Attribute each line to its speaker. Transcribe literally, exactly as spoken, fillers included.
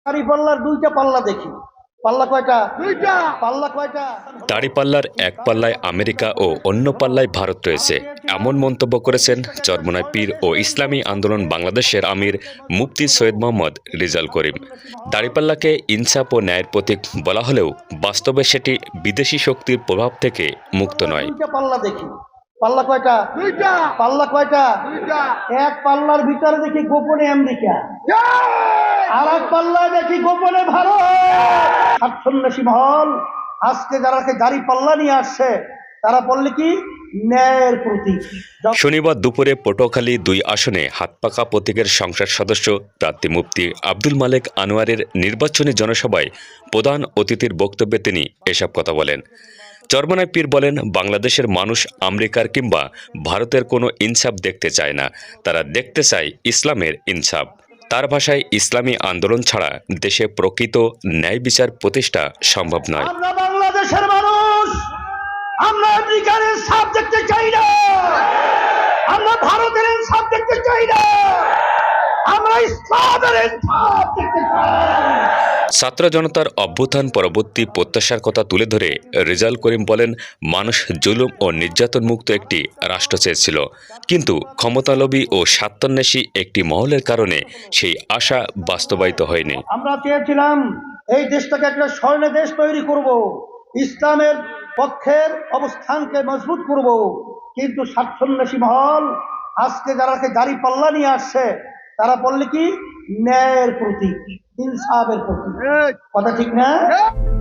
Speaker 1: দাঁড়িপাল্লার দুইটা পাল্লা দেখি। পাল্লা কয়টা? দুইটা। পাল্লা কয়টা?
Speaker 2: দাঁড়িপাল্লার এক পাল্লায় আমেরিকা ও অন্য পাল্লায় ভারত রয়েছে, এমন মন্তব্য করেছেন চরমোনাই পীর ও ইসলামী আন্দোলন বাংলাদেশের আমির মুফতি সৈয়দ মোহাম্মদ রেজাউল করিম। দাঁড়িপাল্লাকে ইনসাফ ও ন্যায়ের প্রতীক বলা হলেও বাস্তবে সেটি বিদেশি শক্তির প্রভাব থেকে মুক্ত নয়।
Speaker 1: দুইটা পাল্লা দেখি। পাল্লা কয়টা? দুইটা। পাল্লা কয়টা? দুইটা। এক পাল্লার ভিতরে দেখি গোপনে আমেরিকা, আর এক পাল্লায় দেখি গোপনে ভারত। স্বার্থন্বেষী মহল আজকে যারা দাড়ি পাল্লা নিয়ে আসছে তারা বললে কি ন্যায়ের প্রতীক।
Speaker 2: শনিবার দুপুরে পটুয়াখালী দুই আসনে হাতপাকা প্রতীকের সংসদ সদস্য প্রার্থী মুফতি আব্দুল মালেক আনোয়ারের নির্বাচনী জনসভায় প্রধান অতিথির বক্তব্যে তিনি এসব কথা বলেন। চরমোনাই পীর বলেন, বাংলাদেশের মানুষ আমেরিকার কিংবা ভারতের কোনো ইনসাফ দেখতে চায় না, তারা দেখতে চায় ইসলামের ইনসাফ। তার ভাষায়, ইসলামী আন্দোলন ছাড়া দেশে প্রকৃত ন্যায় বিচার প্রতিষ্ঠা সম্ভব নয়।
Speaker 1: আমরা বাংলাদেশের মানুষ, আমরা আমেরিকার ইনসাফ দেখতে চাই না, আমরা ভারতের ইনসাফ দেখতে চাই না, আমরা ইসলামের ইনসাফ দেখতে চাই।
Speaker 2: ছাত্র জনতার অভ্যুত্থান পরবর্তী প্রত্যাশার কথা তুলে ধরে রেজাউল করিম বলেন, মানুষ জুলুম ও নির্যাতন মুক্ত একটি রাষ্ট্র চেয়েছিল, কিন্তু ক্ষমতালোভী ও স্বার্থান্বেষী একটি মহলের কারণে সেই আশা বাস্তবায়িত হয়নি।
Speaker 1: আমরা চেয়েছিলাম এই দেশটাকে একটা স্বর্ণ দেশ তৈরি করব, ইসলামের পক্ষের অবস্থানকে মজবুত করব, কিন্তু স্বার্থান্বেষী মহল আজকে যারা দাড়ি পাল্লা নিয়ে আসছে তারা বললে কি ন্যায়ের প্রতীক, ইনসাফের প্রতীক। কথা ঠিক না?